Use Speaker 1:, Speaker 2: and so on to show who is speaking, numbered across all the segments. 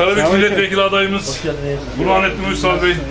Speaker 1: Karabük Milletvekili adayımız Burhanettin Uysal Bey.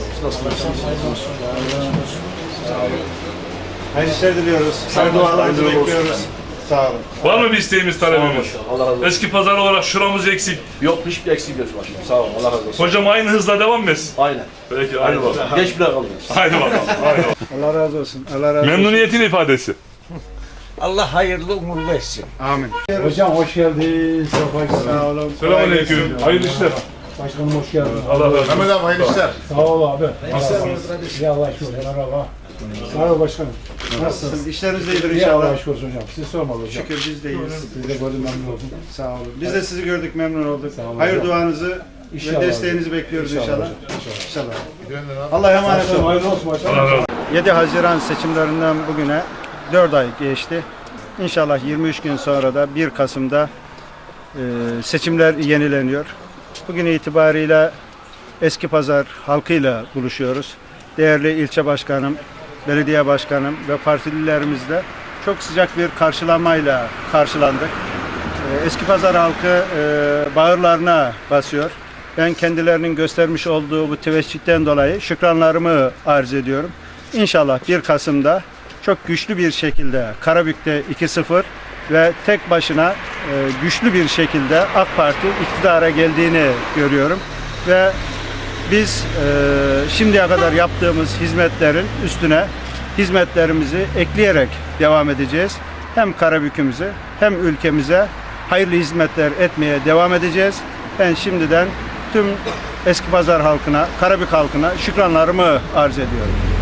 Speaker 2: Hayırlı işler diliyoruz. Hayırlı dualarınızı bekliyoruz. Sağ olun.
Speaker 1: Var mı bir isteğimiz, talebimiz?
Speaker 3: Allah razı olsun.
Speaker 1: Eski pazar olarak şuramız eksik.
Speaker 3: Yok, hiçbir eksik yok başkanım. Sağ olun. Allah razı olsun.
Speaker 1: Hocam aynı hızla devam mı etsin?
Speaker 3: Aynen.
Speaker 1: Peki, haydi bakalım.
Speaker 3: Geç bile kalıyoruz.
Speaker 1: Haydi bakalım. Haydi bakalım.
Speaker 2: Allah razı olsun. Allah razı olsun.
Speaker 1: Memnuniyetin ifadesi.
Speaker 4: Allah hayırlı uğurlu etsin.
Speaker 2: Amin.
Speaker 5: Hocam hoş geldin.
Speaker 2: Sağ olun.
Speaker 1: Selamünaleyküm. Hayırlı işler.
Speaker 5: Başkanım hoş geldin.
Speaker 1: Allah razı olsun.
Speaker 2: Mehmet abi hayırlı işler.
Speaker 5: Sağ ol abi. Ya Allah şükür. Merhaba. Sağ ol başkanım. Nasılsınız?
Speaker 2: İşleriniz de iyidir
Speaker 5: İyi Allah
Speaker 2: inşallah.
Speaker 5: şükür hocam. Siz sormalı hocam.
Speaker 2: Şükür biz de iyiyiz.
Speaker 5: Biz de gördüm memnun oldum.
Speaker 2: Sağ olun. Biz de sizi gördük, memnun olduk.
Speaker 5: olun
Speaker 2: Hayır
Speaker 5: hocam.
Speaker 2: duanızı
Speaker 5: İnşallah
Speaker 2: ve desteğinizi
Speaker 5: hocam.
Speaker 2: bekliyoruz
Speaker 5: İnşallah
Speaker 2: inşallah.
Speaker 5: hocam,
Speaker 2: İnşallah. Allah'a emanet
Speaker 5: Başkanım
Speaker 2: olun.
Speaker 5: hayırlı olsun başkanım.
Speaker 1: Allah razı olsun.
Speaker 2: 7 Haziran seçimlerinden bugüne 4 ay geçti. İnşallah 23 gün sonra da 1 Kasım'da seçimler yenileniyor. Bugün itibariyle Eskipazar halkıyla buluşuyoruz. Değerli ilçe başkanım, belediye başkanım ve partililerimizle çok sıcak bir karşılamayla karşılandık. Eskipazar halkı bağırlarına basıyor. Ben kendilerinin göstermiş olduğu bu teveccühten dolayı şükranlarımı arz ediyorum. İnşallah 1 Kasım'da çok güçlü bir şekilde Karabük'te 2-0 ve tek başına güçlü bir şekilde AK Parti iktidara geldiğini görüyorum. Ve biz şimdiye kadar yaptığımız hizmetlerin üstüne hizmetlerimizi ekleyerek devam edeceğiz. Hem Karabük'ümüze hem ülkemize hayırlı hizmetler etmeye devam edeceğiz. Ben şimdiden tüm Eskipazar halkına, Karabük halkına şükranlarımı arz ediyorum.